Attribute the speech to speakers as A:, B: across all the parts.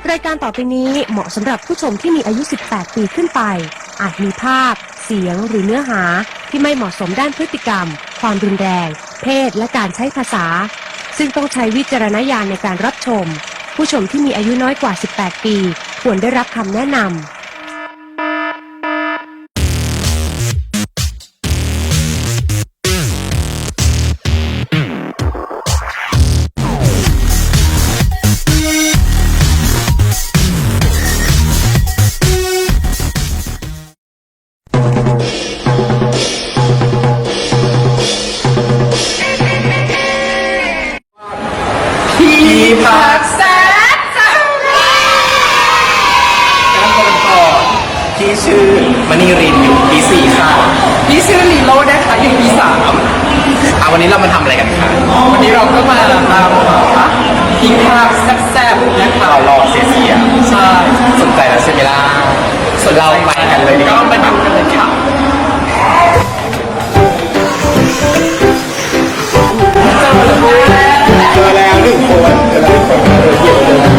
A: รายการต่อไปนี้เหมาะสำหรับผู้ชมที่มีอายุ 18 ปีขึ้นไปอาจมีภาพเสียงหรือเนื้อหาที่ไม่เหมาะสมด้านพฤติกรรมความรุนแรงเพศและการใช้ภาษาซึ่งต้องใช้วิจารณญาณในการรับชมผู้ชมที่มีอายุน้อยกว่า 18 ปีควรได้รับคำแนะนำ
B: ผักแซ่บการคนก่อนที่ชื่อมณีรินอยู่ปี 4ค่ะพี่ชื่อลีโร่นะคะอยู่ปี 3วันนี้เรามาทำอะไรกันคะวันนี้เราก็มาตามหาที่ผักแซ่บๆนะคะเรารอเสียใช่สนใจแล้วใช่ไหมล่ะส่วนเราไปกันเลยก็มาดูกันเลยค่ะเจอแล้ว1 คนเกี่ยวเลยส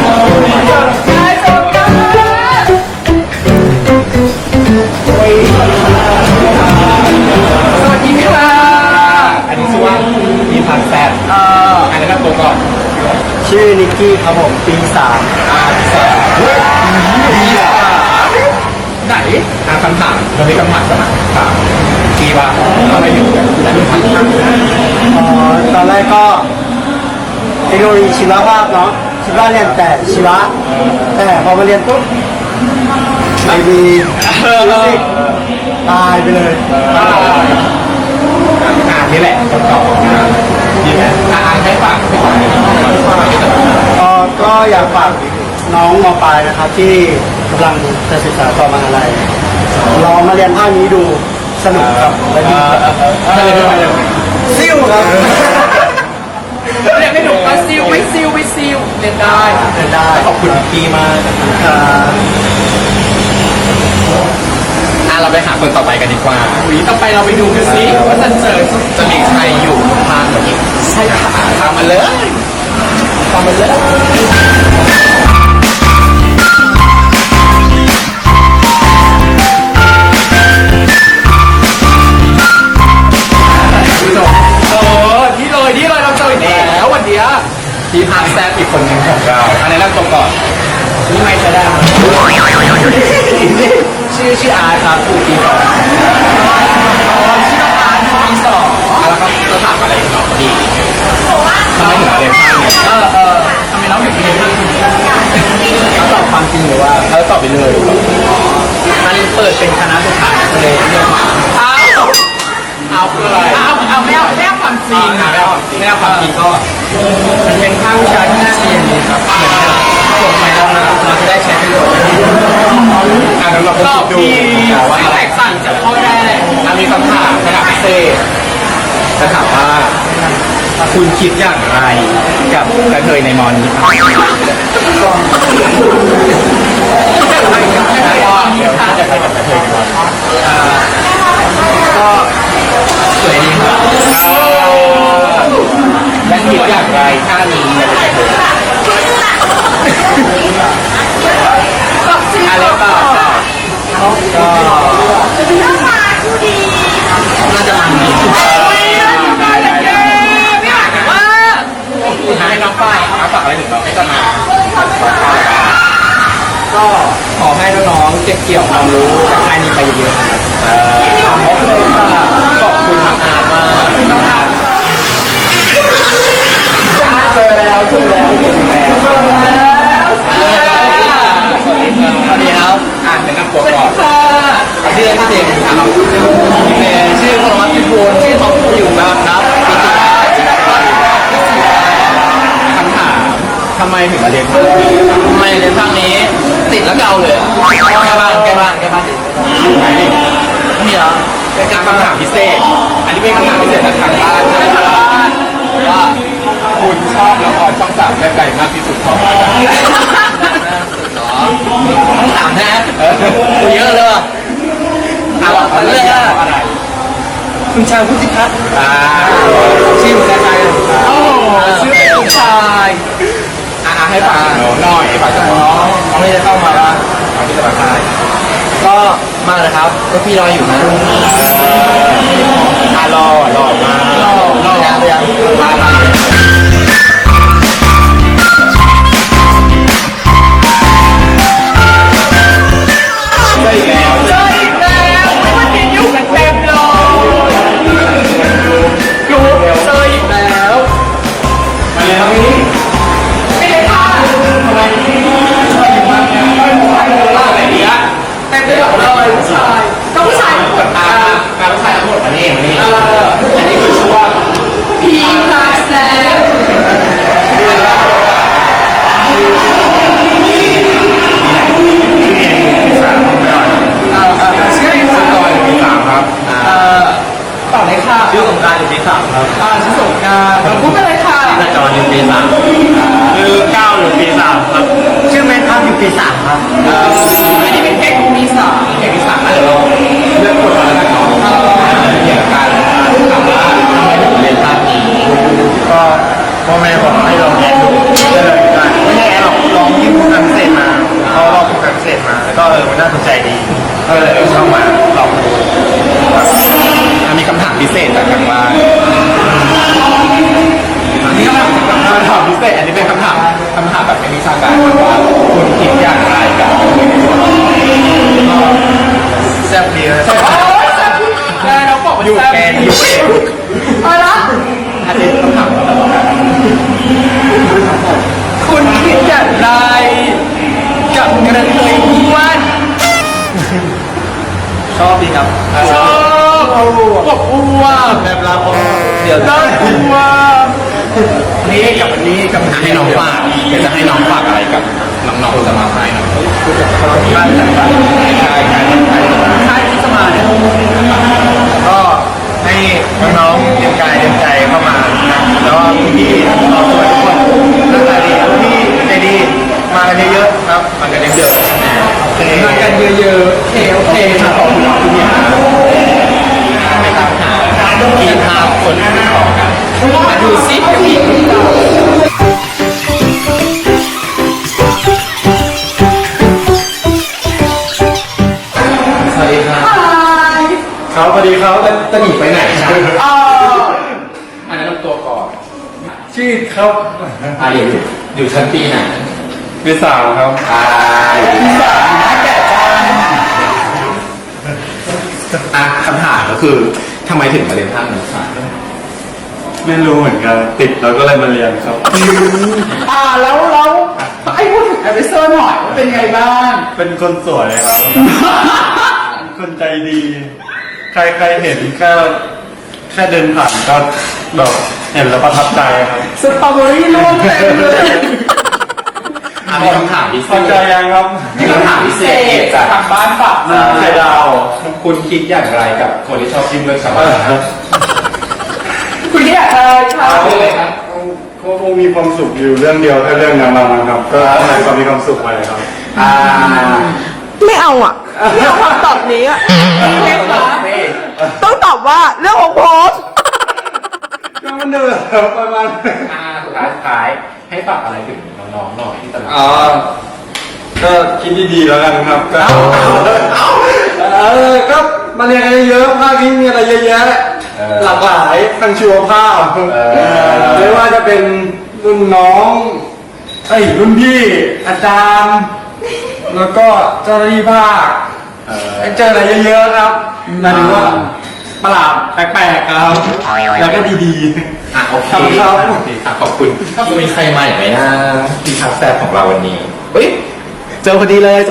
B: วัสดีค่ะอันนี้ชื่อว่ามีพันแซดอันนี้ก็ตัวก่อนชื่อนิกกี้ครับผมปี3ไหนคำถามเรามีคำถามสมัครถามปีว่าทำไมอยู่แต่ดูพัน
C: ตอนแรกก็เทคโนโลยีชีวภาพเนาะคิดว่าเรียนแต่ชีวะแต่พอมาเรียนปุ๊บไม่มีตายไปเลย
B: นี่แหละคำตอบดีไหมให้ฝาก
C: ก็อยากฝากน้องม.ปลายนะครับที่กำลังจะศึกษาต่อมหาลัยลองมาเรียนภาคนี้ดูสนุกครับและดีซิ่วครับ
B: เรียนไม่ถูกก็ซิลไม่ซิลเรียนได้ขอบคุณพี่มากเราไปหาคนต่อไปกันดีกว่าต่อไปเราไปดูกันสิว่าจะมีใครอยู่ทางนี้ใช่ค่ะทางมาเลยที่เลยเราเจอแล้ววันนี้ที่พักแซ่บอีกคนหนึ่งของเราอันนี้นั่งตรงก่อนนี่ไม่ใช่ได้ชื่ออาร์ตครับอยู่ปี 2ชื่ออาร์ตอยู่ปี 2แล้วก็จะถามอะไรต่อดีทำไมถึงเรียนภาคนี้ทำไมเราถึงเรียนภาคนี้ตอบความจริงหรือว่าตอบไปเลยมันเปิดเป็นคณะสุดท้ายเลยเลือกมาเอาคืออะไรไม่เอาความจริงไม่เอาความจริงก็มันเป็นภาควิชาที่น่าเรียนครับเหมือนจบไปแล้วเราจะได้ใช้ประโยชน์ก็ที่แตกต่างจากข้อแรกมีคำถามระดับพิเศษจะถามว่าคุณคิดอย่างไรกับกระเทยในมอนี้จะไปกับกระเทยในมอก็สวยดีครับและคิดอย่างไรถ้ามีอะไรก็น่าจะมันดีให้น้องป้ายฝากอะไรถึงเราให้ต้นมาก็ขอให้น้องๆเก็บเกี่ยวความรู้จากค่ายนี้ไปเยอะๆขอบคุณทางอาร์มากเจอแล้วสวัสดีครับแนะนำตัวก่อนชื่อเด็กครับชื่อพลวัตพิบูลชื่อท็อปอยู่นะครับคำถามทำไมถึงมาเรียนภาคนี้ทำไมเรียนภาคนี้ติดแล้วเก่าเลยแกบ้านนี่เหรอเป็นการคำถามพิเศษอันนี้เป็นคำถามพิเศษจากทางบ้านว่าคุณชอบละครช่อง3แบบไหนมากที่สุดของต้องถามนะเยอะเลยเอาเรื่องอะไรคุณชายพุทธิพัฒน์ชื่อคุณชายชื่อคุณชายให้ฝากน้องหน่อยฝากน้องที่จะเข้ามาละก่อนที่จะมาค่ายก็มาเลยครับก็พี่รออยู่นะรอมารอยังมาเจออีกแล้ววันนี้อยู่กันเต็มเลยอยู่เจออีกแล้วมาเลยครับพี่ไม่ได้ค่ะทำไมพี่ชอบอยู่มากเนี่ยไม่รู้ว่าอะไรเนี่ยเต็มไปหมดเลยผู้ชายก็ผู้ชายหมดการผู้ชายทั้งหมดมานี่อันนี้คือชื่อว่าพีคาสแลต่อเลยค่ะชื่อสงการอยู่ปี 3ครับชื่อสงการพูดไปเลยค่ะชื่อจออยู่ปี 3ชื่อก้าวอยู่ปี 3ครับ
C: ชื่อแมนครับอยู่ปี 3 ครับ
B: อันนี้เป็นเพลงปี 3เพลงปี 3เดี๋ยวเราเลือกคนมาแล้วกันเนาะเกี่ยวกับการถามว่าทำไมถึงเรียนภาพนี้
C: ก็พ่อแม่บอกให้ลองเรียนดูได้เลยไม่ใช่หรอกลองที่ผู้การเกษตรมาเขาลองผู้การเกษตรมาแล้วก็มันน่าสนใจดีก็เลยเข้ามาลองดู
B: มีคำถามพิเศษจากทางบ้านอันนี้ก็เป็นคำถามพิเศษอันนี้เป็นคำถามแบบเป็นวิชาการว่าคุณคิดอย่างไรกับ
C: แซ่บดีเลย
B: เราบอกว่าอยู่แกน
C: อะไรนะ
B: อันนี้คำถามคุณคิดอย่างไรกับกระเทยอ้วน
C: ชอบดีครับ
B: ชอบอ้วนแบบเราเดี๋ยวได้อ้วนนี่กับวันนี้กับให้น้องฝากอยากจะให้น้องฝากอะไรกับน้องๆจะมาให้นะ
C: การจัดการค่ายที่จะมาเนี่ยก็ให้น้องๆเตรียมกายเตรียมใจเข้ามาแล้วก็พี่ๆเราสวยทุกคนหน้าตาดีพี่ใจดีมากันเยอะๆครับ
B: มากันเยอะ
C: ๆมากันเยอะๆโอเคครับขอบคุณคุณยา
B: ไม่ตามหากินข้าวคนที่ต่อกันมาดูซิพี่สวัสดีครับ
C: เขาสวัสดีเขา
B: จะหนีไปไหนครับอันนั้นตัวก่อน
C: ชื่อเขา
B: อยู่ชั้นปีไหน
C: ปี 3ครับ
B: อยู่ปี 3นะแก่จังคำถามก็คือทำไมถึงมาเรียนภาคนี้ครับ
C: ไม่รู้เหมือนกันติดแล้วก็เลยมาเรียนครับ
B: แล้วไอ้พูดถึงไอวิเซอร์หน่อยว่าเป็นไงบ้าง
C: เป็นคนสวยครับคนใจดี ใครเห็นแค่เดินผ่านก็แบบเห็นแล้วประทับใจครับ
B: สตรอเบอรี่ล้วนเต็มเลยมีคำถามพิเศษ
C: ใจยังครับ
B: มีคำถามพิเศษจากทางบ้านฝากมาไข่ดาวคุณคิดอย่างไรกับคนที่ชอบกินเลือดชาวบ้านคุณคิดอย่างไรครับ
C: คงมีความสุขอยู่เรื่องเดียวแค่เรื่องนั้นนะครับก็ให้ความมีความสุขไปครับ
D: ไม่เอาอ่ะไม่เอาคำตอบนี้อ่ะต้องตอบว่าเรื่องของผม
C: ก็มันเดือดประมาณ
B: สุดท้ายให้ฝากอะไรถึงน้องๆหน่อยที่ตลาด
C: ก็คิดดีๆแล้วกันครับก็มาเรียนกันเยอะภาคนี้มีอะไรเยอะแยะหลากหลายทางชีวภาพไม่ว่าจะเป็นรุ่นน้องรุ่นพี่อาจารย์แล้วก็เจ้าหน้าที่ภาคเจออะไรเยอะๆครับนั่นถือว่าประหลาดแปลกๆครับแล้วก็ดี
B: ๆโอเคครับขอบคุณมีใครมาอีกไหมนะที่ทักแซบของเราวันนี้เจอพอดีเลย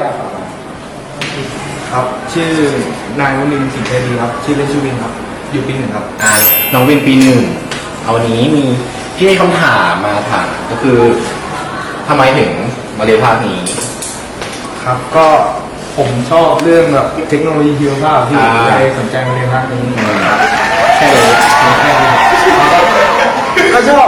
C: ครับชื่อนายวินสิงห์เทวีครับชื่อเล่นชื่อวินครับอยู่ปี 1ครับ
B: น้องวินปี 1เอาวันนี้มีที่ให้คำถามมาถามก็คือทำไมถึงมาเรียนภาคนี้
C: ครับก็ผมชอบเรื่องแบบเทคโนโลยีชีวภาพที่เลยสนใจมาเรียนภาคนี้
B: แค่เลย
C: ก็ชอบ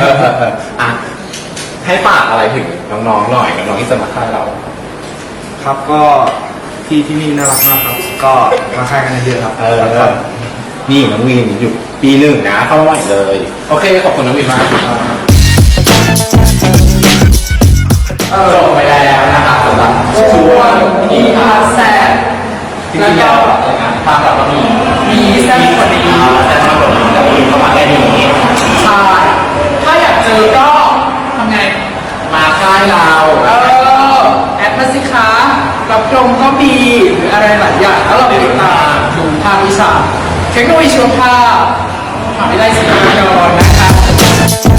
B: ให้ฝากอะไรถึงน้องๆหน่อยน้องๆที่จะมาค่ายเรา
C: ครับก็ที่นี่น่ารักมากครับก็มาค่ายกันเยอะครับ
B: นี่น้องวินอยู่ปี 1นะเข้ามาใหม่เลยโอเคขอบคุณน้องวินมากจบไปแล้วนะครับวนมีพาแซ่บแล้วก็ทางแบบมีแซ่บกว่านี้แซ่บมากกว่านี้แล้วมีเข้ามาแค่นี้ใช่ถ้าอยากเจอก็ทำไงมาค่ายเราแอดมาสิคะรับรองก็มีหรืออะไรหลายอย่างแล้วเราไปติดตามดูภาควิชาเทคโนโลยีชีวภาพมหาวิทยาลัยศรีนครินทร์นะครับ